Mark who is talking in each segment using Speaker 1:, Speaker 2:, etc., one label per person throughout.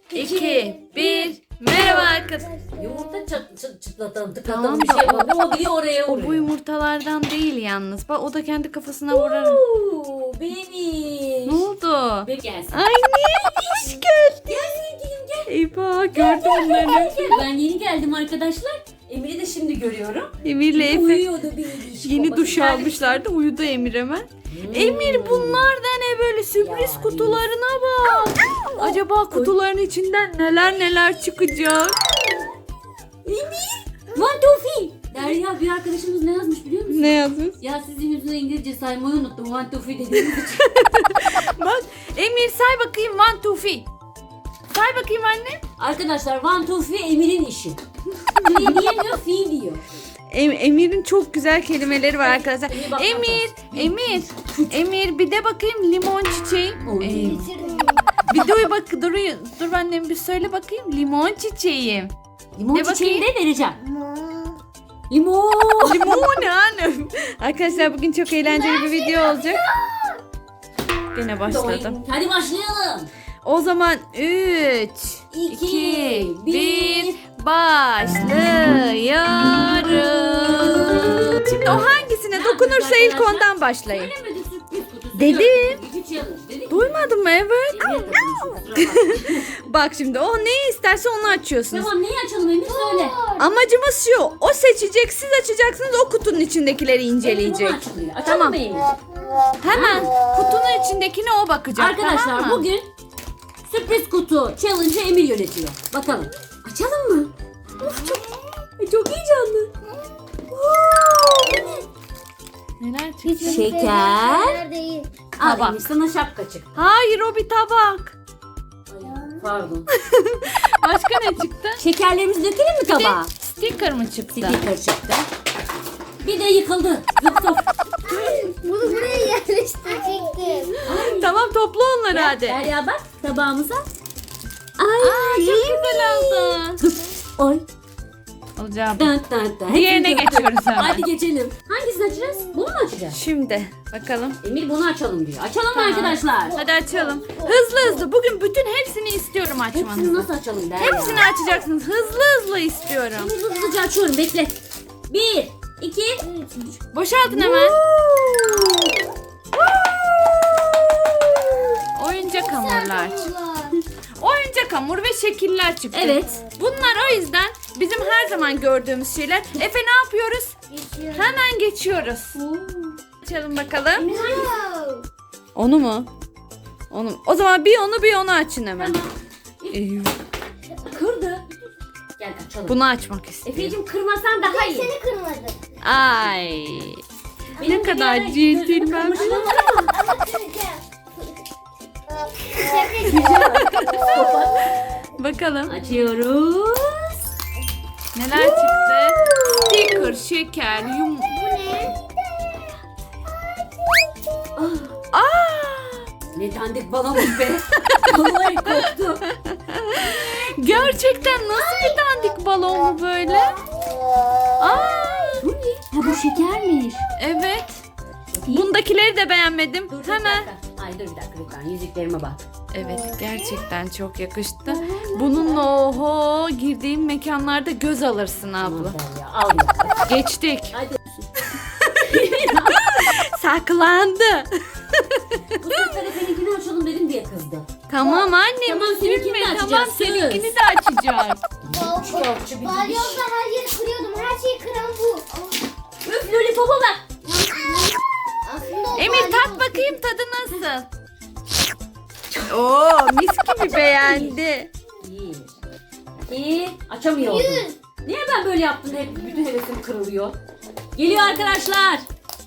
Speaker 1: 2, 1. Merhaba arkadaşlar.
Speaker 2: Yumurta çıtlatan tıklatan
Speaker 1: Tamam
Speaker 2: bir
Speaker 1: da
Speaker 2: şey var. O gidiyor oraya
Speaker 1: O
Speaker 2: vuruyor.
Speaker 1: bu yumurtalardan değil yalnız. Bak o da kendi kafasına vurar.
Speaker 2: Benim.
Speaker 1: Ne oldu?
Speaker 2: Benim gelsin.
Speaker 1: Ay neymiş geldi.
Speaker 2: Gel sevgilim gel.
Speaker 1: Eyvah gördüm onları.
Speaker 2: Gel. Ben yeni geldim arkadaşlar. Emir'i de şimdi görüyorum.
Speaker 1: Emir'le Efe
Speaker 2: Uyuyordu bir iş.
Speaker 1: yeni duş
Speaker 2: Babası
Speaker 1: almışlardı. Uyudu Emir hemen.
Speaker 2: Hmm.
Speaker 1: Emir bunlar da ne böyle sürpriz
Speaker 2: Ya,
Speaker 1: kutularına bak. Acaba kutuların içinden neler çıkacak?
Speaker 2: One two three. Derya bir arkadaşımız ne yazmış biliyor musun?
Speaker 1: Ne yazmış?
Speaker 2: Ya sizin yüzünden İngilizce saymayı unuttum. One two three dediğiniz için.
Speaker 1: Bak Emir say bakayım 1, 2, 3. Say bakayım anne.
Speaker 2: Arkadaşlar one two three Emir'in işi. Ne diyemiyor? Fi diyor.
Speaker 1: Emir'in çok güzel kelimeleri var arkadaşlar.
Speaker 2: Emir bak,
Speaker 1: Emir bir de bakayım limon çiçeği.
Speaker 2: Oy.
Speaker 1: Bir dur bak dur annem bir söyle bakayım limon çiçeği.
Speaker 2: Limon
Speaker 1: Ne
Speaker 2: çiçeğini de
Speaker 1: bakayım?
Speaker 2: vereceğim. Limon.
Speaker 1: Limon ne annem? Arkadaşlar bugün çok eğlenceli bir video olacak. Gene başladım.
Speaker 2: Hadi başlayalım.
Speaker 1: O zaman 3,
Speaker 2: 2,
Speaker 1: 2, 1
Speaker 2: 1.
Speaker 1: başlıyoruz. Şimdi o hangisine dokunursa ilk ondan başlayın.
Speaker 2: Söylemedi sürpriz kutusu.
Speaker 1: Dedim.
Speaker 2: İki challenge dedik.
Speaker 1: Duymadın mı? Evet.
Speaker 2: Emir takılmış, kusura bakma.
Speaker 1: Bak şimdi o neyi isterse onu açıyorsunuz.
Speaker 2: Tamam neyi açalım Emir söyle.
Speaker 1: Amacımız şu. O seçecek, siz açacaksınız. O kutunun içindekileri inceleyecek.
Speaker 2: Emir bunu açılıyor. Açalım
Speaker 1: Tamam.
Speaker 2: mı Emir?
Speaker 1: Hemen kutunun içindekine o bakacak.
Speaker 2: Arkadaşlar
Speaker 1: tamam mı?
Speaker 2: bugün sürpriz kutu challenge'ı Emir yönetiyor. Bakalım. Açalım mı? Of çok heyecanlı.
Speaker 1: Neler çıkacak?
Speaker 2: Şeker.
Speaker 3: Değil.
Speaker 2: Al
Speaker 1: Tabak.
Speaker 2: Emir sana şapka çıktı.
Speaker 1: Hayır o bir tabak.
Speaker 2: Pardon.
Speaker 1: Başka ne çıktı?
Speaker 2: Şekerlerimizi dökelim mi tabağa?
Speaker 1: Sticker mı çıktı?
Speaker 2: Sticker çıktı. Bir de yıkıldı. Yıktım.
Speaker 3: Bunu buraya yerleştirecektim.
Speaker 1: Tamam topla onları hadi.
Speaker 2: Derya bak tabağımıza.
Speaker 1: Aa, çok güzel oldu.
Speaker 2: Oy.
Speaker 1: Olacak.
Speaker 2: Dın dın dın.
Speaker 1: Diğerine
Speaker 2: Hepsini
Speaker 1: geçiyoruz
Speaker 2: döktüm.
Speaker 1: hemen.
Speaker 2: Hadi geçelim. Hangisini açacağız? Bunu mu açacağız?
Speaker 1: Şimdi bakalım.
Speaker 2: Emir bunu açalım diyor. Açalım
Speaker 1: Tamam.
Speaker 2: arkadaşlar.
Speaker 1: Hadi açalım. Hızlı. Bugün bütün hepsini istiyorum
Speaker 2: Hepsini
Speaker 1: açmanızı.
Speaker 2: nasıl açalım Derya?
Speaker 1: Hepsini açacaksınız. Hızlı istiyorum.
Speaker 2: Hızlıca açıyorum bekle. 1, 2, 3.
Speaker 1: Boşaltın hemen. Oyuncak hamurlar. Oyuncak hamur ve şekiller çıktı.
Speaker 2: Evet.
Speaker 1: Bunlar o yüzden bizim her zaman gördüğümüz şeyler. Efe ne yapıyoruz? Hemen geçiyoruz. Açalım bakalım. Onu mu? Onu. O zaman bir onu açın hemen. Eyvah.
Speaker 2: Kırdı. Gel açalım.
Speaker 1: Bunu açmak istiyorum.
Speaker 2: Efe'cim kırmasan daha iyi.
Speaker 3: Seni kırmadım.
Speaker 1: Ay. Ne
Speaker 2: Benim
Speaker 1: kadar
Speaker 2: bir ara
Speaker 1: centilmen.
Speaker 2: gözümü kırmıştım.
Speaker 3: Ama kıracağım.
Speaker 1: Bakalım
Speaker 2: Açıyoruz.
Speaker 1: neler çıktı. Sticker, şeker,
Speaker 3: Bu ne?
Speaker 2: Ah,
Speaker 1: Aa!
Speaker 2: ne dandik balonmuş be. Vallahi korktum.
Speaker 1: Gerçekten nasıl bir dandik balon bu böyle? Aa!
Speaker 2: Bu ne? Ha bu şekermiş.
Speaker 1: Evet. Bundakileri de beğenmedim.
Speaker 2: Dur,
Speaker 1: Hemen.
Speaker 2: bir dakika. Ay dur bir dakika lütfen. Yüzüklerime bak.
Speaker 1: Evet gerçekten çok yakıştı. Bununla oho girdiğim mekanlarda göz alırsın abla.
Speaker 2: Aman Derya, al ya.
Speaker 1: Geçtik.
Speaker 2: Hadi.
Speaker 1: Saklandı.
Speaker 2: Bu sefer Efe'ninkini açalım dedim diye kızdı.
Speaker 1: Tamam annem
Speaker 2: Tamam, seninkini de
Speaker 1: üzülme. Tamam
Speaker 2: açacağız, söz.
Speaker 1: seninkini de açacağız.
Speaker 2: Şokçu bir
Speaker 3: Balyozla her yeri kırıyordum. Her şeyi kıran bu.
Speaker 2: Üf lollipopa bak.
Speaker 3: Aslında o
Speaker 1: Emir tat
Speaker 3: balyoz.
Speaker 1: bakayım tadı nasıl? Oo mis gibi beğendi.
Speaker 2: İyi. Açamıyordum. Niye ben böyle yaptım da hep bütün hevesim kırılıyor? Geliyor arkadaşlar.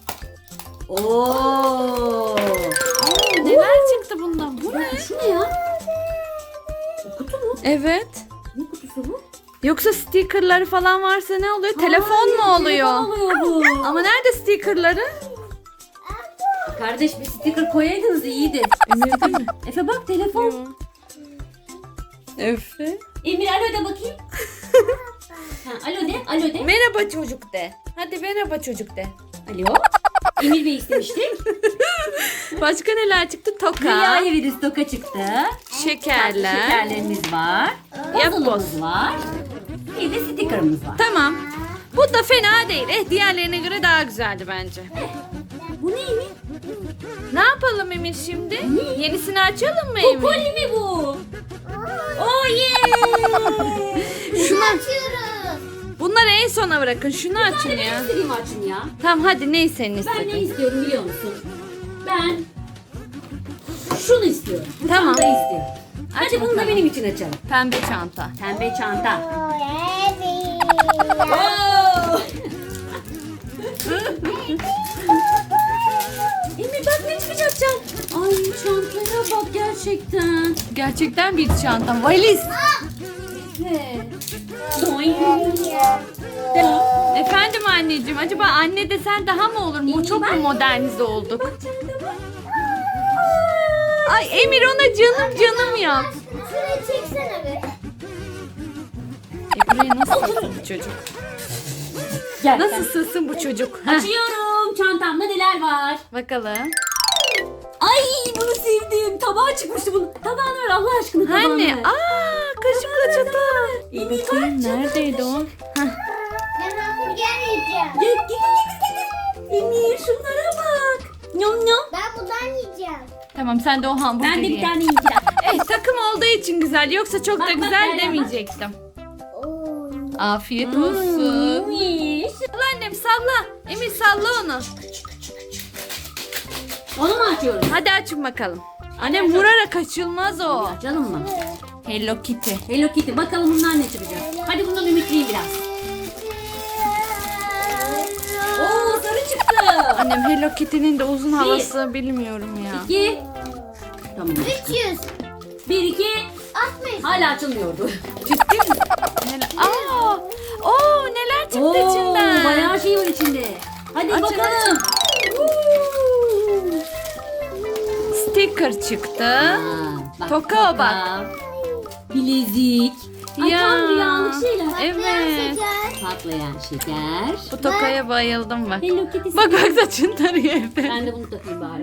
Speaker 2: Oo.
Speaker 1: Neler çıktı bundan? Bu ne?
Speaker 2: Şu ne ya? Bu kutu mu?
Speaker 1: Evet.
Speaker 2: Ne kutusu bu?
Speaker 1: Yoksa stickerları falan varsa ne oluyor? Telefon
Speaker 2: Hayır,
Speaker 1: mu oluyor?
Speaker 2: Telefon oluyor bu.
Speaker 1: Ama nerede stickerları?
Speaker 2: Kardeş bir sticker koyaydınız iyiydi.
Speaker 1: Emir değil mi?
Speaker 2: Efe bak telefon.
Speaker 1: Efe.
Speaker 2: Emir alo de bakayım. Ha, alo de.
Speaker 1: Merhaba çocuk de. Hadi merhaba çocuk de.
Speaker 2: Alo. Emir Bey istemiştik.
Speaker 1: Başka neler çıktı? Toka.
Speaker 2: Dünyaya virüs toka çıktı.
Speaker 1: Şekerler.
Speaker 2: Şekerlerimiz var.
Speaker 1: Yap
Speaker 2: Puzzle'ımız var. Bir de sticker'ımız var.
Speaker 1: Tamam. Bu da fena değil. Diğerlerine göre daha güzeldi bence.
Speaker 2: Bu neymiş?
Speaker 1: Ne yapalım Emir şimdi? Yenisini açalım mı Emir?
Speaker 2: Popoli mi bu? Oh yeah!
Speaker 3: Şunu açıyoruz.
Speaker 1: Bunları en sona bırakın. Şunu açın
Speaker 2: Ben
Speaker 1: ya.
Speaker 2: istediğimi açın ya.
Speaker 1: Tamam hadi neyi senin
Speaker 2: Ben ne
Speaker 1: istedin?
Speaker 2: istiyorum biliyor musun? Ben şunu istiyorum. Bu
Speaker 1: Tamam.
Speaker 2: çantayı istiyorum.
Speaker 1: Aç
Speaker 2: Hadi bunu da
Speaker 1: bakalım.
Speaker 2: benim için açalım.
Speaker 1: Pembe çanta.
Speaker 2: Pembe çanta.
Speaker 3: Evet.
Speaker 2: Oh! Emir bak ne çıkacak can. Ay çantaya bak gerçekten.
Speaker 1: Gerçekten bir çanta. Valiz.
Speaker 2: Evet. Doing.
Speaker 1: Efendim anneciğim, acaba anne desen daha mı olur mu? Çok mu modernize olduk? Ay Emir ona canım yap.
Speaker 3: Şurayı çeksene be.
Speaker 1: Buraya nasıl sığsın bu çocuk?
Speaker 2: Gel.
Speaker 1: Nasıl sığsın bu çocuk? Heh,
Speaker 2: Açıyorum. Çantamda neler var?
Speaker 1: bakalım.
Speaker 2: Ay bunu sevdim. Tabağa çıkmıştı bunun. Tabağını ver Allah aşkına tabağını
Speaker 1: Anne,
Speaker 2: ver.
Speaker 1: kaşıkla çatal.
Speaker 2: Emir
Speaker 1: Bakayım neredeydi o? Heh,
Speaker 3: Ben hamburger yiyeceğim.
Speaker 2: Gel. Emir şunlara bak. Nyom nyom.
Speaker 3: Ben bundan yiyeceğim.
Speaker 1: tamam sen de o hamburgeri
Speaker 2: Ben de bir
Speaker 1: ye.
Speaker 2: tane yiyeceğim.
Speaker 1: Takım olduğu için güzel. Yoksa çok da
Speaker 2: Bak, bak,
Speaker 1: güzel
Speaker 2: Derya, bak.
Speaker 1: demeyecektim.
Speaker 3: Oo.
Speaker 1: Afiyet olsun.
Speaker 2: Yemiş.
Speaker 1: Salla annem salla. Emir salla onu.
Speaker 2: Onu mu açıyoruz?
Speaker 1: Hadi açın bakalım. Annem vurarak açılmaz o.
Speaker 2: Açalım mı?
Speaker 1: Hello Kitty.
Speaker 2: Hello Kitty. Bakalım bundan ne çıkacak. Hadi bundan ümitliyim biraz. Oo sarı çıktı.
Speaker 1: Annem Hello Kitty'nin de uzun havası bilmiyorum ya.
Speaker 2: 2. Tamam.
Speaker 3: 300.
Speaker 2: 1 2.
Speaker 3: 60.
Speaker 2: Hala açılmıyordu.
Speaker 1: Ciddi mi? Neler çıktı
Speaker 2: Oo,
Speaker 1: içinden.
Speaker 2: bayağı şey var içinde. Hadi
Speaker 1: Açın,
Speaker 2: bakalım.
Speaker 1: Sticker çıktı.
Speaker 2: Aa,
Speaker 1: Toka bak.
Speaker 2: Bilezik. Ay
Speaker 1: Ya,
Speaker 2: tam rüyalık şeyler.
Speaker 1: Evet.
Speaker 2: Patlayan şeker.
Speaker 1: Bu tokaya bayıldım bak.
Speaker 2: Hello Kitty.
Speaker 1: Bak saçın tarıyor evde.
Speaker 2: Ben de bunu takayım bari.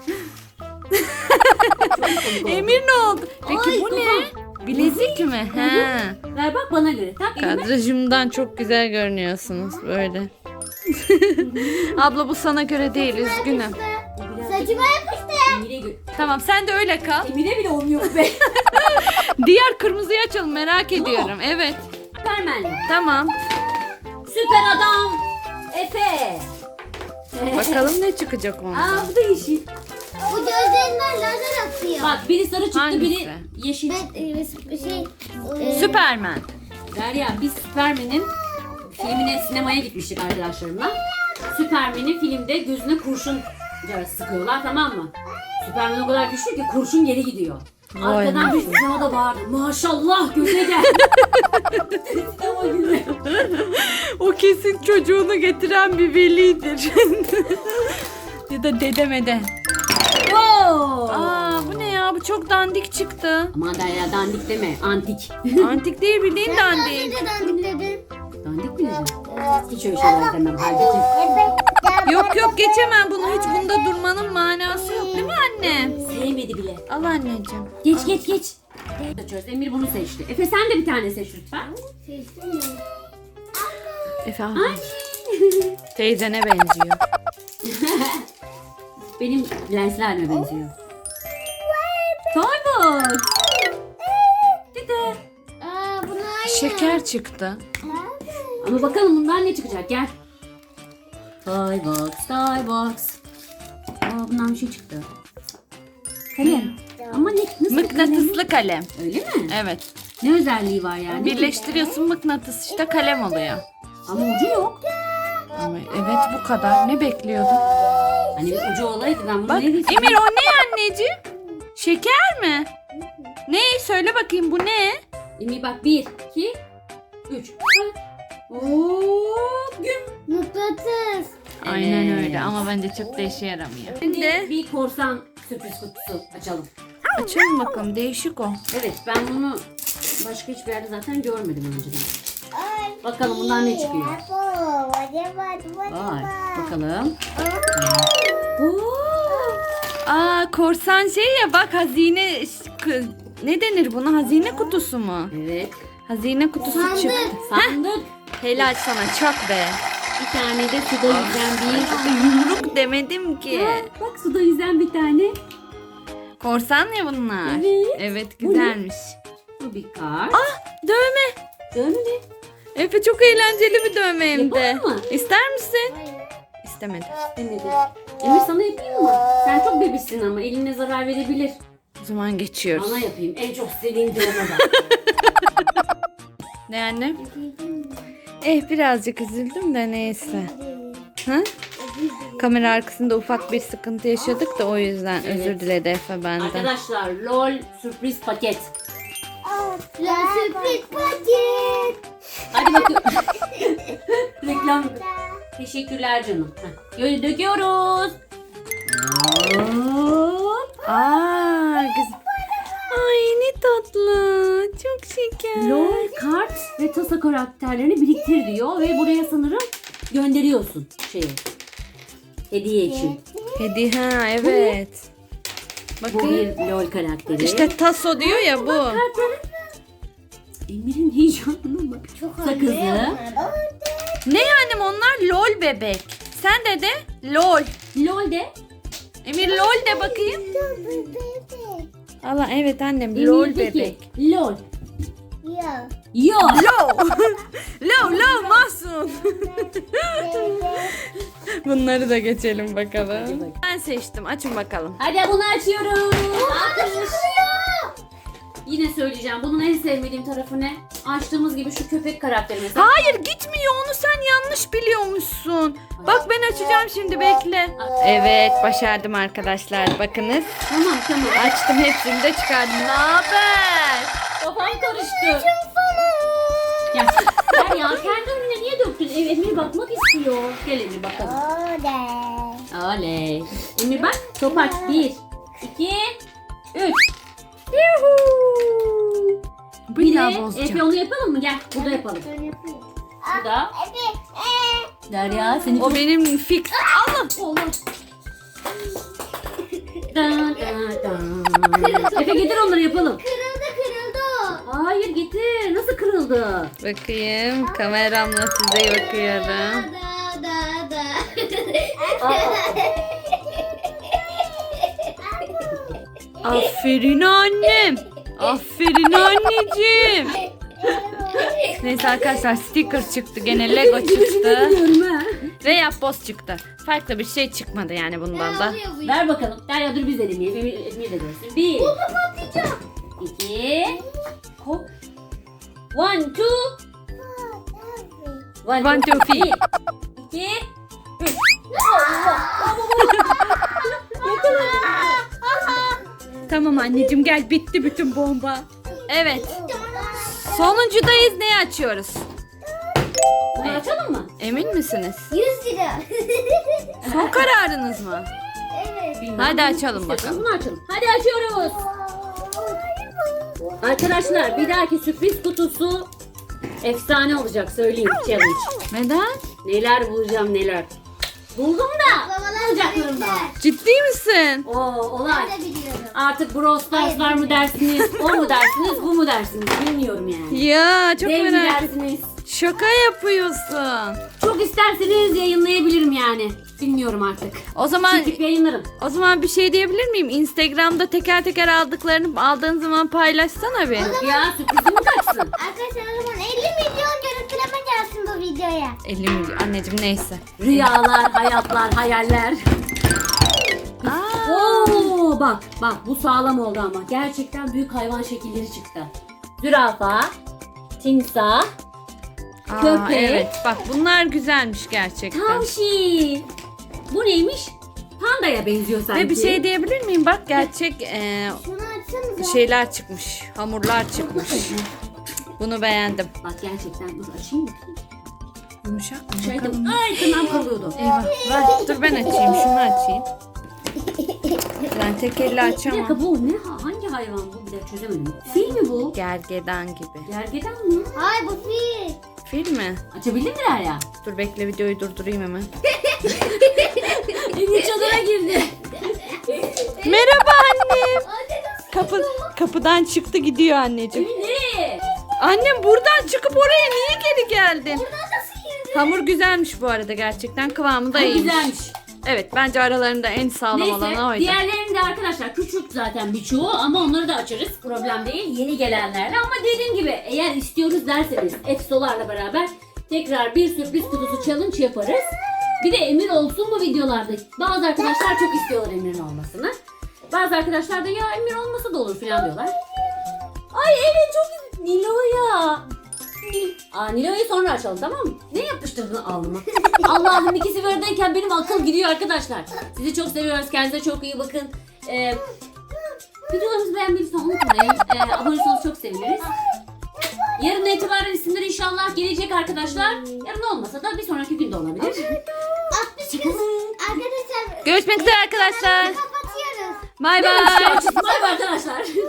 Speaker 1: Emir ne oldu? Peki
Speaker 2: Ay,
Speaker 1: bu ne?
Speaker 2: kafam.
Speaker 1: Bilezik mi? He.
Speaker 2: Ver bak bana göre. Tak elime.
Speaker 1: Kadrajımdan çok güzel görünüyorsunuz böyle. Abla bu sana göre değil, üzgünüm.
Speaker 3: Saçıma yapıştı.
Speaker 2: Emir'e göre.
Speaker 1: Tamam sen de öyle kal.
Speaker 2: Emir'e bile olmuyor be.
Speaker 1: Diğer kırmızıyı açalım, merak ediyorum. Evet.
Speaker 2: Süpermenli.
Speaker 1: Tamam.
Speaker 2: Süper adam. Efe.
Speaker 1: Bakalım ne çıkacak ondan.
Speaker 2: Aa bu da yeşil.
Speaker 3: Bu gözlerinden lazer atıyor.
Speaker 2: Bak biri sarı çıktı
Speaker 1: Hangisi?
Speaker 2: biri yeşil çıktı.
Speaker 1: Süpermen.
Speaker 2: Derya biz Süpermen'in filmine sinemaya gitmiştik arkadaşlarımla. Süpermen'in filmde gözüne kurşun sıkıyorlar tamam mı? Süpermen o kadar güçlü ki kurşun geri gidiyor.
Speaker 1: Vay
Speaker 2: Arkadan bir sinemada bağırdı. Maşallah göze gel. Sinema gibi.
Speaker 1: O kesin çocuğunu getiren bir velidir. Ya da dedemede.
Speaker 2: Wow.
Speaker 1: Bu ne ya? Bu çok dandik çıktı.
Speaker 2: Aman Derya dandik deme antik.
Speaker 1: Antik değil, bildiğin dandik.
Speaker 3: Önce dandikledin.
Speaker 2: Dandik mi diyeceğim? Hiç öyle şeyler demem halbuki.
Speaker 1: Yok geçemem bunu. Hiç bunda durmanın manası yok değil mi anne?
Speaker 2: Sevmedi bile.
Speaker 1: Al anneciğim.
Speaker 2: Geç. Açıyoruz. Emir bunu seçti. Efe sen de bir tane seç lütfen.
Speaker 3: Seçtin mi?
Speaker 1: Efe al.
Speaker 2: Ay.
Speaker 1: Teyzene benziyor.
Speaker 2: Benim lenslerime benziyor. Toybox. Dede.
Speaker 3: Buna aynı.
Speaker 1: Şeker çıktı.
Speaker 2: Ama bakalım bundan ne çıkacak gel. Toybox. Bundan bir şey çıktı. Kalem. Ama ne? Nasıl bir kalem?
Speaker 1: Mıknatıslı kalem.
Speaker 2: Öyle mi?
Speaker 1: Evet.
Speaker 2: Ne özelliği var yani?
Speaker 1: Birleştiriyorsun, mıknatıs işte kalem oluyor.
Speaker 2: Ama ucu yok.
Speaker 1: Ama evet bu kadar. Ne bekliyordun?
Speaker 2: Hani bir ucu olaydı ben bunu
Speaker 1: Bak
Speaker 2: ne diyeceğim?
Speaker 1: Emir o ne anneciğim? Şeker mi? Ne? Söyle bakayım bu ne?
Speaker 2: Emir bak 1, 2, 3. Hop güm.
Speaker 3: Mıknatıs.
Speaker 1: Aynen
Speaker 2: Evet.
Speaker 1: öyle ama bence çok da işe yaramıyor.
Speaker 2: Şimdi bir korsan sürpriz kutusu açalım.
Speaker 1: Açalım bakalım, değişik o.
Speaker 2: Evet ben bunu başka hiçbir yerde zaten görmedim önceden. Bakalım bundan ne çıkıyor? Vay bakalım. Oo.
Speaker 1: Korsan şey ya bak hazine ne denir buna? Hazine kutusu mu?
Speaker 2: Evet.
Speaker 1: Hazine kutusu
Speaker 3: Sandık.
Speaker 1: çıktı.
Speaker 2: Sandık.
Speaker 1: Helal sana çok be.
Speaker 2: Bir tane de suda yüzen bir.
Speaker 1: Yumruk demedim ki.
Speaker 2: Ha, bak suda yüzen bir tane.
Speaker 1: Korsan ya bunlar.
Speaker 2: Evet.
Speaker 1: Evet
Speaker 2: Bu ne?
Speaker 1: güzelmiş.
Speaker 2: Bu bir kart.
Speaker 1: Dövme.
Speaker 2: Dövme ne?
Speaker 1: Efe çok eğlenceli bir dövme hem de.
Speaker 2: Yapalım mı?
Speaker 1: İster misin?
Speaker 3: Hayır.
Speaker 1: İstemedi.
Speaker 2: Demedi. Emir sana yapayım mı? Sen çok bebişsin ama eline zarar verebilir.
Speaker 1: O zaman geçiyoruz.
Speaker 2: Bana yapayım. En çok istediğin dövme bak.
Speaker 1: Ne anne? Birazcık üzüldüm de neyse. Ha? Kamera arkasında ufak bir sıkıntı yaşadık da o yüzden
Speaker 2: Evet.
Speaker 1: özür diledi Efe benden.
Speaker 2: Arkadaşlar LOL sürpriz paket.
Speaker 3: La sürpriz paket.
Speaker 2: Hadi bakalım. Reklam. Teşekkürler canım. Heh. Döküyoruz. Hop.
Speaker 1: Güzel. Ay ne tatlı. Çok şeker.
Speaker 2: LOL kart ve tasa karakterlerini biriktir diyor ve buraya sanırım gönderiyorsun şeyi. Hediye için.
Speaker 1: Hediye ha evet.
Speaker 2: Bu
Speaker 1: Bakın.
Speaker 2: bir LOL karakteri.
Speaker 1: İşte taso diyor ya bu.
Speaker 2: Kartları. Emir'in heyecanına bak.
Speaker 3: Çok
Speaker 2: Sakızı.
Speaker 1: Ne yani onlar lol bebek. Sen de lol.
Speaker 2: LOL de.
Speaker 1: Emir lol de bakayım. Allah evet annem lol
Speaker 2: Emir'deki
Speaker 1: bebek.
Speaker 2: LOL.
Speaker 3: Ya.
Speaker 2: Yo.
Speaker 1: Lol Mahsun. Bunları da geçelim bakalım. Ben seçtim. Açın bakalım.
Speaker 2: Hadi bunu açıyoruz. Yine söyleyeceğim. Bunun en sevmediğim tarafı ne? Açtığımız gibi şu köpek karakteri mesela.
Speaker 1: Hayır gitmiyor. Onu sen yanlış biliyormuşsun. Bak ben açacağım şimdi bekle. Evet başardım arkadaşlar. Bakınız.
Speaker 2: Tamam.
Speaker 1: Açtım hepsini de çıkardım. Ne haber?
Speaker 2: Kafam karıştı. Ya, ya kendi önüne niye döktün? Emir bakmak istiyor. Gel Emir bakalım. Oley. Emir bak. Top aç. 1, 2, 3. Yuhuu.
Speaker 1: Bir daha bozacağım.
Speaker 2: Efe onu yapalım mı? Gel burada yapalım. Burada. Derya seni
Speaker 1: O benim fix. Allah.
Speaker 2: Allah. Efe getir onları yapalım.
Speaker 3: Kırıldı.
Speaker 2: Hayır getir. Nasıl kırıldı?
Speaker 1: Bakayım kameramla size bakıyorum.
Speaker 3: Da.
Speaker 1: Aferin annem. Aferin anneciğim. Neyse arkadaşlar sticker çıktı. Gene Lego çıktı.
Speaker 2: Biliyorum ha.
Speaker 1: Ve yapboz çıktı. Farklı bir şey çıkmadı yani bundan da.
Speaker 2: Ver bakalım. Derya dur biz de deneyelim. Emir de görsün. 1, 2, hop. 1, 2.
Speaker 1: 1, 2, 3.
Speaker 2: 2, 3.
Speaker 1: Tamam anneciğim gel bitti bütün bomba. Evet. Sonuncudayız. Neyi açıyoruz?
Speaker 2: Bunu açalım mı?
Speaker 1: Emin misiniz?
Speaker 3: 100 lira.
Speaker 1: Son kararınız mı?
Speaker 3: Evet.
Speaker 2: Bilmem.
Speaker 1: Hadi açalım
Speaker 2: İstiyorsan
Speaker 1: bakalım.
Speaker 2: Bunu açalım. Hadi açıyoruz. Arkadaşlar bir dahaki sürpriz kutusu efsane olacak söyleyeyim challenge.
Speaker 1: Neden?
Speaker 2: Neler bulacağım neler. Buldum da bulacaklarım da.
Speaker 1: Ciddi misin?
Speaker 2: O olay.
Speaker 3: Ben de biliyorum.
Speaker 2: Artık Brawl Stars'lar mı dersiniz, o mu dersiniz, bu mu dersiniz bilmiyorum yani.
Speaker 1: Ya çok
Speaker 2: Dev mi
Speaker 1: merak ettim.
Speaker 2: dersiniz?
Speaker 1: Şaka yapıyorsun.
Speaker 2: Çok isterseniz yayınlayabilirim yani. Bilmiyorum artık.
Speaker 1: O zaman
Speaker 2: Çekip yayınlarım.
Speaker 1: bir şey diyebilir miyim? Instagram'da teker teker aldığın zaman paylaşsana bir.
Speaker 2: Ya sürprizim kaçsın.
Speaker 3: Arkadaşlar o zaman 50 milyon görüntüleme gelsin bu videoya.
Speaker 1: 50 milyon. Anneciğim neyse.
Speaker 2: Rüyalar, hayatlar, hayaller.
Speaker 1: Aa,
Speaker 2: Oo bak bu sağlam oldu ama. Gerçekten büyük hayvan şekilleri çıktı. Zürafa, timsah, köpek.
Speaker 1: Evet bak bunlar güzelmiş gerçekten.
Speaker 2: tavşin. Bu neymiş? Pandaya benziyor sanki.
Speaker 1: Ve bir şey diyebilir miyim? Bak gerçek
Speaker 3: Şunu açsanıza.
Speaker 1: şeyler çıkmış. Hamurlar çıkmış. Bunu beğendim.
Speaker 2: Bak gerçekten dur açayım mı?
Speaker 1: Yumuşak mı?
Speaker 2: Şeydim. Ay tırnağım kalıyordu.
Speaker 1: Eyvah. Ver, dur ben açayım. Şunu açayım. Ben tek elle
Speaker 2: Bir
Speaker 1: açamam.
Speaker 2: dakika bu ne? Hangi hayvan bu? Bir dakika çözemedim. Fil mi bu?
Speaker 1: Gergedan gibi.
Speaker 2: Gergedan mı?
Speaker 3: Ay bu fil.
Speaker 1: Fil mi?
Speaker 2: Açabildin mi Derya?
Speaker 1: Dur bekle videoyu durdurayım hemen.
Speaker 2: Emir çadıra girdi.
Speaker 1: Merhaba annem.
Speaker 3: Anne nasıl
Speaker 1: Kapıdan çıktı gidiyor anneciğim.
Speaker 2: Emin nereye?
Speaker 1: Annem buradan çıkıp oraya niye geri geldin?
Speaker 3: Buradan nasıl girdin?
Speaker 1: Hamur güzelmiş bu arada gerçekten. Kıvamı da
Speaker 2: Çok
Speaker 1: iyiymiş.
Speaker 2: güzelmiş.
Speaker 1: Evet bence aralarında en sağlam olanı
Speaker 2: Neyse
Speaker 1: oydu.
Speaker 2: diğerlerinde arkadaşlar küçük zaten birçoğu ama onları da açarız. Problem değil yeni gelenlerle ama dediğim gibi eğer istiyoruz derseniz Efsolarla beraber tekrar bir sürpriz kutusu challenge yaparız. Bir de Emir olsun mu videolarda? Bazı arkadaşlar çok istiyorlar Emir'in olmasını. Bazı arkadaşlar da ya Emir olmasa da olur falan diyorlar. Ay evet çok Nilo'ya. Nilo'yu sonra açalım tamam mı? Ne yapıştırdın alnıma? Allah'ım ikisi böyleyken benim akıl gidiyor arkadaşlar. Sizi çok seviyoruz. Kendinize çok iyi bakın. Videolarımızı beğenmeyi lütfen unutmayın. Abone olursanız çok seviniriz. Yarın itibaren isimler inşallah gelecek arkadaşlar. Yarın olmasa da bir sonraki gün de olabilir.
Speaker 3: 60 kız. Arkadaşlar.
Speaker 1: Görüşmek üzere arkadaşlar.
Speaker 3: Kapatıyoruz.
Speaker 1: Bay bay.
Speaker 2: Bay bay arkadaşlar.